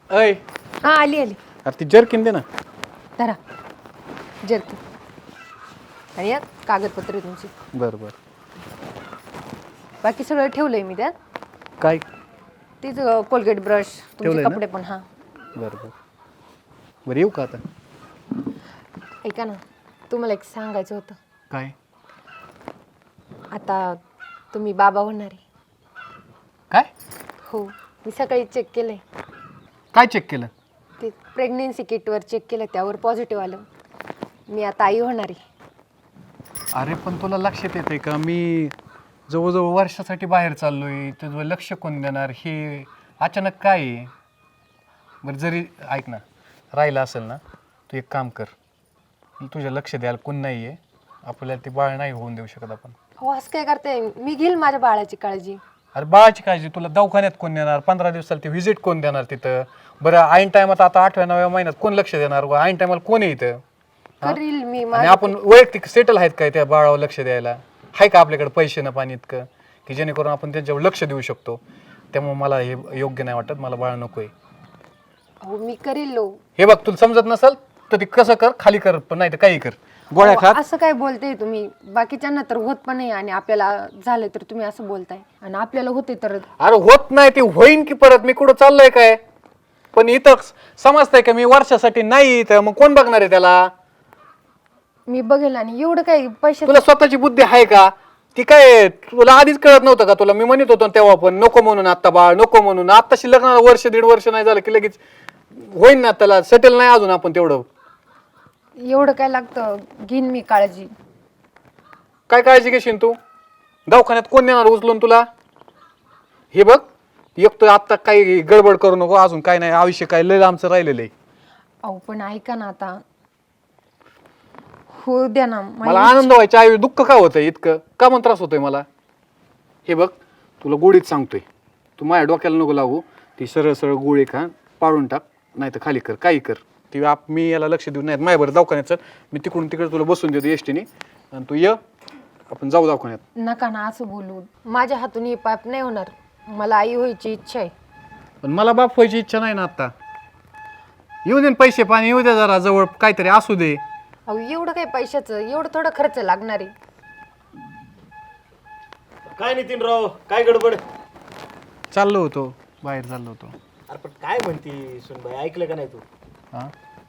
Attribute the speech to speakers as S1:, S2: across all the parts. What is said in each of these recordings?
S1: अय
S2: हा आली आली.
S1: अरे ती जर्किन दे ना.
S2: धरा जर्की आणि यात कागदपत्र आहे तुमची.
S1: बरं बरं.
S2: बाकी सगळं ठेवलंय मी त्यात.
S1: काय
S2: तीच कोलगेट ब्रश तुमचे
S1: ठेवलंय ना?
S2: कपडे पण. हा
S1: बरं बरं. बरं येऊ का आता?
S2: ऐका ना, तुम्हाला एक सांगायचं होतं.
S1: काय
S2: आता तुम्ही बाबा होणार आहे.
S1: काय
S2: हो, मी सकाळी चेक केलंय.
S1: काय चेक केलं?
S2: ते प्रेग्नेन्सी किटवर चेक केलं, त्यावर पॉझिटिव्ह आलं. मी आता आई होणार आहे.
S1: अरे पण तुला लक्षात येते का मी जवळजवळ वर्षासाठी बाहेर चाललोय, तुझं लक्ष कोण देणार? हे अचानक काय आहे? बरं जरी ऐक ना, राहिलं असेल ना, तू एक काम कर, तुझ्या लक्ष द्यायला कोण नाही आहे, आपल्याला ते बाळ नाही होऊन देऊ शकत आपण.
S2: हो असं काय करते, मी घेईल माझ्या बाळाची काळजी.
S1: अरे बाळाची काळजी तुला दवाखान्यात कोण देणार? 15 दिवसाला ती व्हिजिट कोण देणार तिथं? बरं ऐन टायमात आता 8व्या-9व्या महिन्यात कोण लक्ष देणार? ऐन टायमाला कोण आहे इथं?
S2: करील मी.
S1: आणि आपण वैयक्तिक सेटल आहेत काय त्या बाळावर लक्ष द्यायला? आहे का आपल्याकडे पैसे ना पाणी इतकं की जेणेकरून आपण त्यांच्यावर लक्ष देऊ शकतो? त्यामुळे मला हे योग्य नाही वाटत, मला बाळ नकोय.
S2: हो मी करील लो.
S1: हे बघ तुला समजत नसेल तर ते कसं कर, खाली कर, पण नाही तर काही कर, गोळ्या
S2: अहो,
S1: खात.
S2: असं काय बोलते तुम्ही? बाकीच्यांना तर होत पण नाही आणि आपल्याला झालं तर तुम्ही असं बोलताय, आणि आपल्याला होते तर.
S1: अरे होत नाही ते होईन की परत, मी कुठं चाललोय काय? पण इथं समजतंय का मी वर्षासाठी नाही, तर मग कोण बघणार आहे त्याला?
S2: मी बघेल. आणि एवढं काही पैसे
S1: तुला स्वतःची बुद्धी आहे का? ती काय तुला आधीच कळत नव्हतं का? तुला मी म्हणत होतो तेव्हा पण नको म्हणून, आता बाळ नको म्हणून. आताशी लग्नाला वर्ष 1.5 वर्ष नाही झालं की लगेच होईन ना, त्याला सेटल नाही अजून आपण तेवढं.
S2: एवढं काय लागतं, घेईन मी काळजी.
S1: काय काळजी घेशील तू? दवाखान्यात कोण नेणार उचलून तुला? हे बघ एक तर आता काही गडबड करू नको, अजून काय नाही, आयुष्य काय लय आमचं राहिलेलं आहे.
S2: अहो पण ऐका ना, आता हो द्या ना.
S1: मला आनंद व्हायच्या ऐवजी दुःख का होतंय इतकं? का मग त्रास होतोय मला? हे बघ तुला गोळीत सांगतोय, तू माझ्या डोक्याला नको लागू. ती सरळ सरळ गोळी खा, पाडून टाक, नाही तर खाली कर, काही कर. ती मी याला लक्ष देऊ नाही. माझ्या बरं दवाखान्यात मी तिकडून तिकडे तुला बसून देतो एसटीने, आणि तू ये, आपण जाऊ दवाखान्यात.
S2: नका ना असं बोलू. माझ्या हातून हे पाप नाही होणार. मला आई व्हायची इच्छा आहे.
S1: पण मला बाप व्हायची इच्छा नाही ना आता. येऊ दे पैसे पाणी, येऊ दे जरा जवळ, काहीतरी असू दे.
S2: अहो एवढं काही पैशाचं एवढं थोडं खर्च लागणार आहे?
S3: काय नितीनराव, काय गडबड?
S1: चाललो होतो बाहेर, चाललो होतो.
S3: अरे पण काय म्हणती सुनबाई, ऐकलं का नाही तू?
S1: हा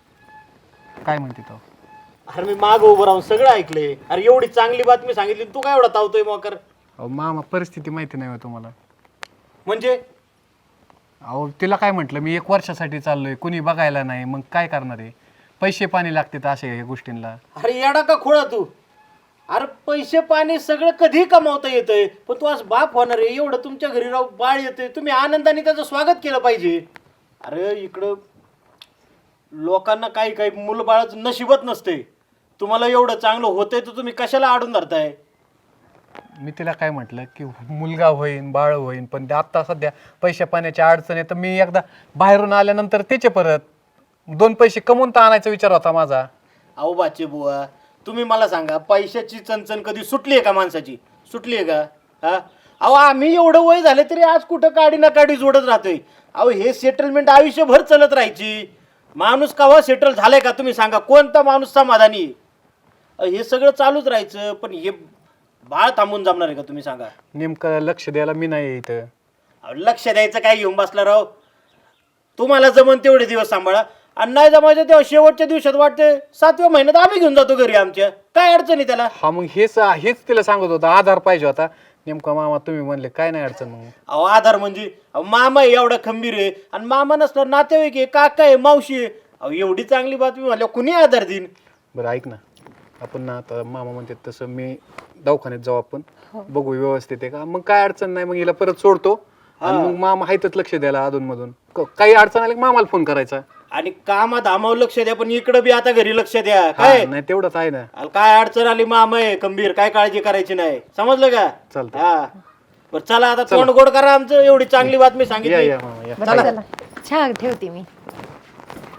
S1: काय म्हणते तो?
S3: अरे मी माग उभं राहून सगळं ऐकलंय. अरे एवढी चांगली बातमी सांगितली, तू काय एवढा तावतोय मोकर?
S1: अहो मामा परिस्थिती माहिती नाही होय तुम्हाला.
S3: म्हणजे
S1: अहो तिला काय म्हटलं मी 1 वर्षासाठी चाललोय, कुणी बघायला नाही, मग काय करणार आहे? पैसे पाणी लागतात अशा ह्या गोष्टींना.
S3: अरे येडा का खोळा तू? अरे पैसे पाणी सगळं कधी कमावता येतंय, पण तू आज बाप होणार आहे, एवढं तुमच्या घरी राहू बाळ येतंय, तुम्ही आनंदाने त्याचं स्वागत केलं पाहिजे. अरे इकडं लोकांना काही काही मुलं बाळाचं नशिबत नसते. तुम्हाला एवढं चांगलं होतंय तर तुम्ही कशाला आडून धरताय?
S1: मी तिला काय म्हटलं की मुलगा होईन, बाळ होईन, पण ते आत्ता सध्या पैशा पाण्याची अडचण आहे, तर मी एकदा बाहेरून आल्यानंतर त्याचे परत 2 पैसे कमवून तर आणायचा विचार होता माझा.
S3: अहो बाचे बुवा, तुम्ही मला सांगा, पैशाची चणचण कधी सुटली आहे का माणसाची? सुटली आहे का? हा अहो आम्ही एवढं वय झालं तरी आज कुठं काडी ना काडी जोडत राहतोय. अहो हे सेटलमेंट आयुष्यभर चालत राहायची. माणूस केव्हा सेटल झालाय का तुम्ही सांगा? कोणता माणूस समाधानी? हे सगळं चालूच राहायचं, पण हे बाळ थांबून जमणार आहे का तुम्ही सांगा?
S1: नेमकं लक्ष द्यायला मी नाही इथं.
S3: अहो लक्ष द्यायचं काय घेऊन बसला राव? तुम्हाला जमन तेवढे दिवस सांभाळा, आणि नाही जमायचं तेव्हा शेवटच्या दिवसात वाटते 7व्या महिन्यात आम्ही घेऊन जातो घरी आमच्या. काय अडचण आहे त्याला?
S1: हा मग हेच तिला सांगत होता, आधार पाहिजे होता. नेमका मामा तुम्ही म्हणले काय नाही अडचण. मग
S3: अहो आधार म्हणजे अहो मामा आहे एवढा खंबीर आहे, आणि मामा नसला नातेवाईक आहे, काका आहे, मावशी आहे. अहो एवढी चांगली बातमी म्हणल्यावर कुणी आधार देईन?
S1: बरं ऐक ना, आपण ना आता मामा म्हणते तसं मी दवाखान्यात जाऊ, आपण बघू व्यवस्थित आहे का. मग काय अडचण नाही, मग हिला परत सोडतो, आणि मग मामा आहेतच लक्ष द्यायला अधून मधून. काही अडचण आली की मामाला फोन करायचा.
S3: आणि कामात आमावर लक्ष द्या, पण इकडं बी आता घरी लक्ष द्या. काय
S1: नाही तेवढंच आहे ना.
S3: काय अडचण आली मामा आहे खंबीर, काय काळजी करायची नाही. समजलं का?
S1: चालतंय.
S3: हा बरं चला आता तोंड गोड करा आमचं, एवढी चांगली बातमी सांगितली.
S1: या मामा या.
S2: बरं चला, चहा ठेवते मी.